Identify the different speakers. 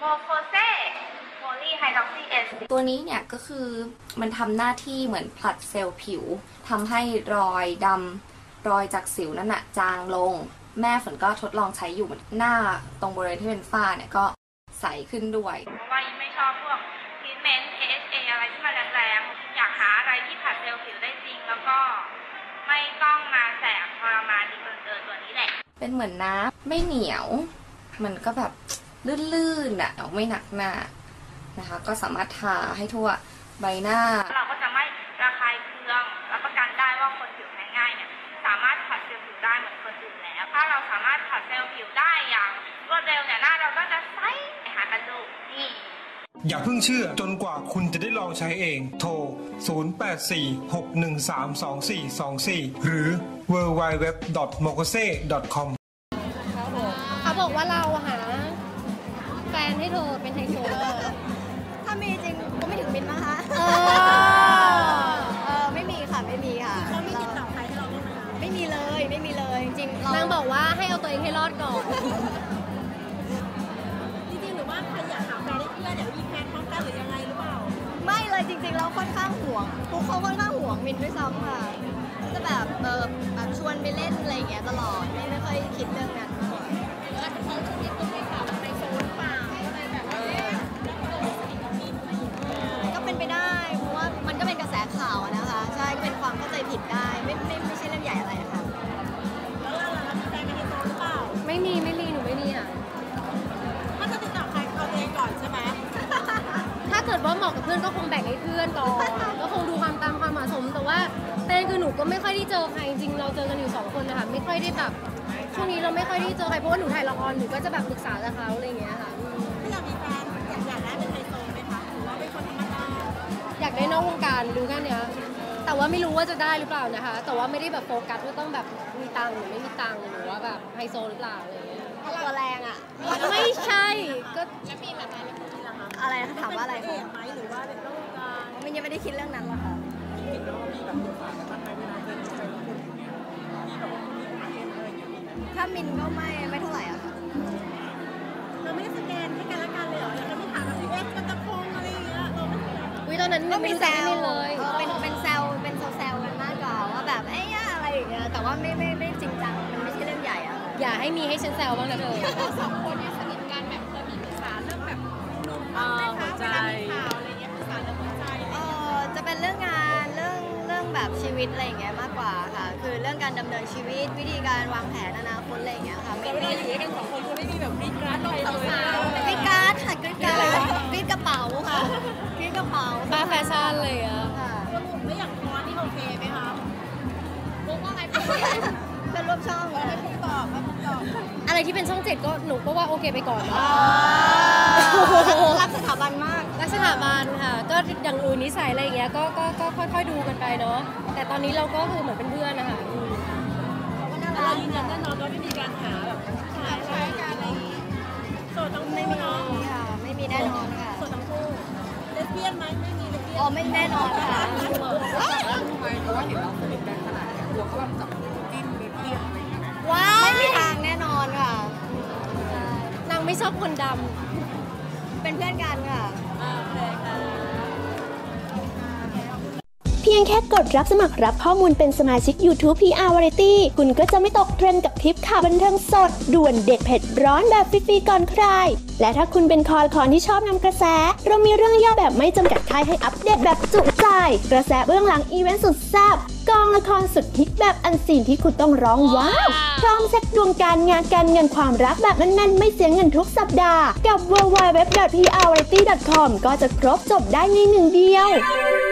Speaker 1: โมโคเซโพลีไฮดรอกซีเอส
Speaker 2: ตัวนี้เนี่ยก็คือมันทำหน้าที่เหมือนผลัดเซลล์ผิวทำให้รอยดำรอยจากสิวนั่นน่ะจางลงแม่ฝนก็ทดลองใช้อยู่หน้าตรงบริเวณที่เป็นฝ้าเนี่ยก็ใสขึ้นด้วย
Speaker 1: เพราะว่ายิ่งไม่ชอบพวกทรีทเมนต์ AHA อะไรที่มันแรงๆอยากหาอะไรที่ผลัดเซลล์ผิวได้จริงแล้วก็ไม่ต้องมาแสบทรมานดีเกินตัวนี้แหละ
Speaker 2: เป็นเหมือนน้ำไม่เหนียวมันก็แบบลื่นๆอ่ะไม่หนักหน้านะคะก็สามารถทาให้ทั่วใบหน้า
Speaker 1: เราก็จะไม่ระคายเคืองรับประกันได้ว่าคนผิวแพ้ง่ายเนี่ยสามารถผัดเซลล์ผิวได้เหมือนคนอื่นแล้วถ้าเราสามารถผัดเซลล์ผิวได้อย่างรวดเร็วเนี่ยหน้าเราก็จะใสหากันดูนี่
Speaker 3: อย่าเพิ่งเชื่อจนกว่าคุณจะได้ลองใช้เองโทร 0846132424 หรือ www.mokose.com
Speaker 4: เขาบอกว่าเราหาแฟนให้เธอเป็นไฮโซ
Speaker 5: ถ้ามีจริงก็ไม่ถึงมินนะคะไม่มีค่ะไม่มีค่ะเขาไม่ติดต่อใครให้เราได้ไหมไม่มีเลยจริง
Speaker 4: นางบอกว่าให้เอาตัวเองให้รอดก่อน
Speaker 5: จริงๆหรือว่าใครอยากหาแฟนได้เพื่อนอยากมีแฟนพร้อมกันหรือยังไงหรือเปล่าไม่เลยจริงๆเราค่อนข้างห่วงพวกเขาค่อนข้างห่วงมินด้วยซ้ำค่ะจะแบบชวนไปเล่นอะไรอย่างเงี้ยตลอดไม่ค่อยคิดเรื่องนั้นมากแล้วเขาจะมีคนให้ข่าวในโซนเปล่าอะไรแบบก็เป็นไปได้เพราะว่ามันก็เป็นกระแสข่าวนะคะใช่ก็เป็นความเข้าใจผิดได้ไม่ใช่เรื่องใหญ่อะไรค่ะแล้วเรามีแฟนเป็นไฮโซหรือเปล่า
Speaker 4: ไม่มีหนูไม่มีอ่ะ
Speaker 5: ถ้าจะติดต่อใครเอาตัวเองก่อนใช่ไหม
Speaker 4: ถ้าเกิดว่าเหมาะกับเพื่อนก็คงแบ่งให้เพื่อนก่อนก็คงดูความตามความเหมาะสมแต่ว่าแต่คือหนูก็ไม่ค่อยได้เจอใครจริงเราเจอกันอยู่2คนนะคะไม่ค่อยได้แบบช่วงนี้เราไม่ค่อยได้เจอใครเพราะว่าหนูถ่ายละครหนูก็จะแบบปรึกษากับเขาอะไรอย่างเงี้ยค่ะ
Speaker 5: ไม่อยากมีแฟนอยากได้เป็นไฮโซไหมคะหรือว่าเป็นคนธรรมดา
Speaker 4: อยากได้นอกวงการรู้แค่เนี้ยแต่ว่าไม่รู้ว่าจะได้หรือเปล่านะคะแต่ว่าไม่ได้แบบโฟกัสว่าต้องแบบมีตังค์หรือไม่มีตังค์หรือว่าแบบไฮโซหรือเปล่าอะไรอย่างเงี้ย
Speaker 5: ตัวแรงอ่ะ
Speaker 4: ไม่ใช่ก็
Speaker 5: แล้วมีแบบไหนแล้วมีล่ะคะอะไรถามว่าอะไรคะไหมหรือว่าเป็นนอกวงการมันยังไม่ได้คิดเรื่องนั้นหรอกค่ะถ้ามินก็ไม่เท่าไหร่อะค่ะเราไม่ได้สแกนให้กันและกันเลยเหรอเราไม่ถามแบบพี่เอสกันตะพงอะไรอย่างเงี้ยเราไม่
Speaker 4: ตอนนั้น
Speaker 5: ก็มีแซว
Speaker 4: เลย
Speaker 5: เป็นแซวกันมากกว่าว่าแบบไอ้ย่าอะไรอย่างเงี้ยแต่ว่าไม่จริงจังมันไม่ใช่เรื่องใหญ่อะ
Speaker 4: อย่าให้มีให้ฉันแซวบ้างนะเธอ
Speaker 5: สองคนเนี่ยสนิทกันแบบเคยมีปรึกษาเรื่องแบบหัวใจข่าวอะไรเงี้ยปรึกษาเรื่องหัวใจจะเป็นเรื่องงานเรื่องแบบชีวิตอะไรอย่างเงี้ยมากกว่าค่ะคือเรื่องการดำเนินชีวิตวิธีการวางแผนอนาคตอะไรอย่างเงี้ยค่ะไม่ได้อยู่ด้วยกันสองคนคือไม่มีแบบกรี๊ดกราดอะไรเลยกรี๊ดกราดค่ะกรี๊ดกราดกรี๊ดกระเป๋าค่ะกรี๊ดกระเป๋า
Speaker 4: มาแฟชั่นเลยอะ
Speaker 5: ค่ะแล้วอย่างคอนี่โอเคไหมคะรู้ว่าไงเป็นรูปช่องเลยบอก
Speaker 4: อะไรที่เป็นช่อง7ก็หนูก็ว่าโอเคไปก่อน
Speaker 5: รักสถาบันมาก
Speaker 4: รักสถาบันค่ะก็อย่างอื่นนิสัยอะไรอย่างเงี้ยก็ค่อยๆดูกันไปเนาะแต่ตอนนี้เราก็คือเหมือนเป็นเพื่อนนะคะ
Speaker 5: เรายืนยันแน่นอนว่าไม่มีการหาแบบใช้การอะไรโสดทั้งคู่เนาะไม่มีแน่นอนค่ะโสดทั้งคู่เลสเบี้ยนไหมไม่มีเลสเบี้ยนอ๋อไม่แน่นอนค่ะเพราะว่าเห็นเราสนิทกันขนาดนี้กลัวเขาแบบจับจิ้นเลสเบี้ยนอะไรอย่างเงี้ยว้าวไม่มีทางแน่นอนค่ะ
Speaker 4: นางไม่ชอบคนด
Speaker 5: ำเป็นเพื่อนกันค่ะ
Speaker 6: เพียงแค่กดรับสมัครรับข้อมูลเป็นสมาชิก YouTube PR Variety คุณก็จะไม่ตกเทรนด์กับทริปข่าวบันเทิงสดด่วนเด็ดเผ็ดร้อนแบบฟรีๆก่อนใครและถ้าคุณเป็นคอที่ชอบนำกระแสเรามีเรื่องย่อแบบไม่จำกัดค่ายให้อัปเดตแบบจุใจกระแสเบื้องหลังอีเวนต์สุดแซ่บกองละครสุดฮิตแบบอันซีนที่คุณต้องร้องว้าวพร้อมเช็คดวงการงานการเงินความรักแบบแน่นๆไม่เสียเงินทุกสัปดาห์กับ www.prvariety.com ก็จะครบจบได้ในหนึ่งเดียว